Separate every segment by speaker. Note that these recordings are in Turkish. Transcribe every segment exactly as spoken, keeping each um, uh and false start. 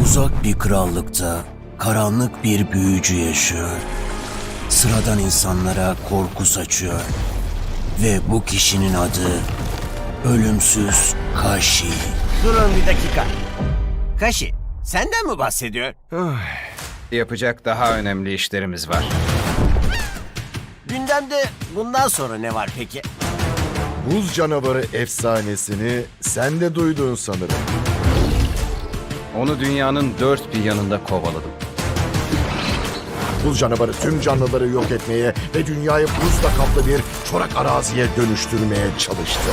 Speaker 1: Uzak bir krallıkta karanlık bir büyücü yaşıyor. Sıradan insanlara korku saçıyor. Ve bu kişinin adı Ölümsüz Kashi.
Speaker 2: Durun bir dakika. Kashi, senden mi bahsediyor?
Speaker 3: Yapacak daha önemli işlerimiz var.
Speaker 2: Gündemde bundan sonra ne var peki?
Speaker 4: Buz canavarı efsanesini sen de duydun sanırım.
Speaker 3: Onu dünyanın dört bir yanında kovaladım.
Speaker 4: Buz canavarı tüm canlıları yok etmeye ve dünyayı buzla kaplı bir çorak araziye dönüştürmeye çalıştı.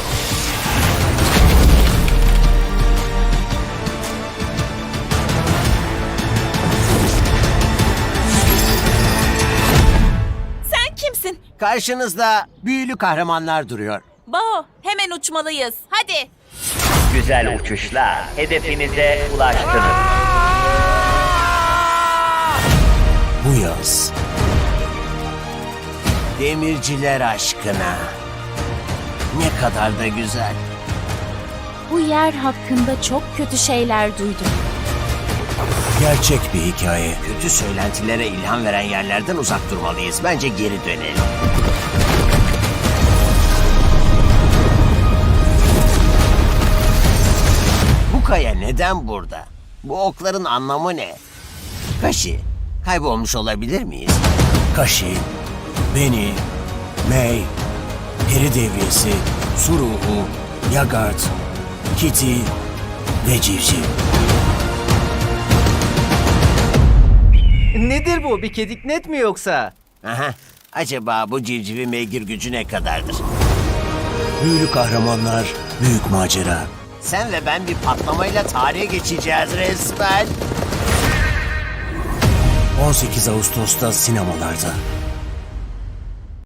Speaker 5: Sen kimsin?
Speaker 2: Karşınızda büyülü kahramanlar duruyor.
Speaker 5: Bao, hemen uçmalıyız. Hadi.
Speaker 6: Güzel uçuşlar. Hedefinize ulaştınız.
Speaker 1: Bu yaz
Speaker 2: Demirciler aşkına. Ne kadar da güzel.
Speaker 5: Bu yer hakkında çok kötü şeyler duydum.
Speaker 1: gerçek bir hikaye.
Speaker 2: Kötü söylentilere ilham veren yerlerden uzak durmalıyız. Bence geri dönelim. Bu kaya neden burada? Bu okların anlamı ne? Kashi, kaybolmuş olabilir miyiz?
Speaker 1: Kashi, Beni, Mei, Peri Devriyesi, Su Ruhu, Yagart, Kitty ve Civciv.
Speaker 7: Nedir bu? Bir kediknet mi yoksa?
Speaker 2: Aha, acaba bu civcivin beygir gücü ne kadardır?
Speaker 1: Büyülü kahramanlar, büyük macera.
Speaker 2: Sen ve ben bir patlamayla tarihe geçeceğiz resmen.
Speaker 1: on sekiz Ağustos'ta sinemalarda.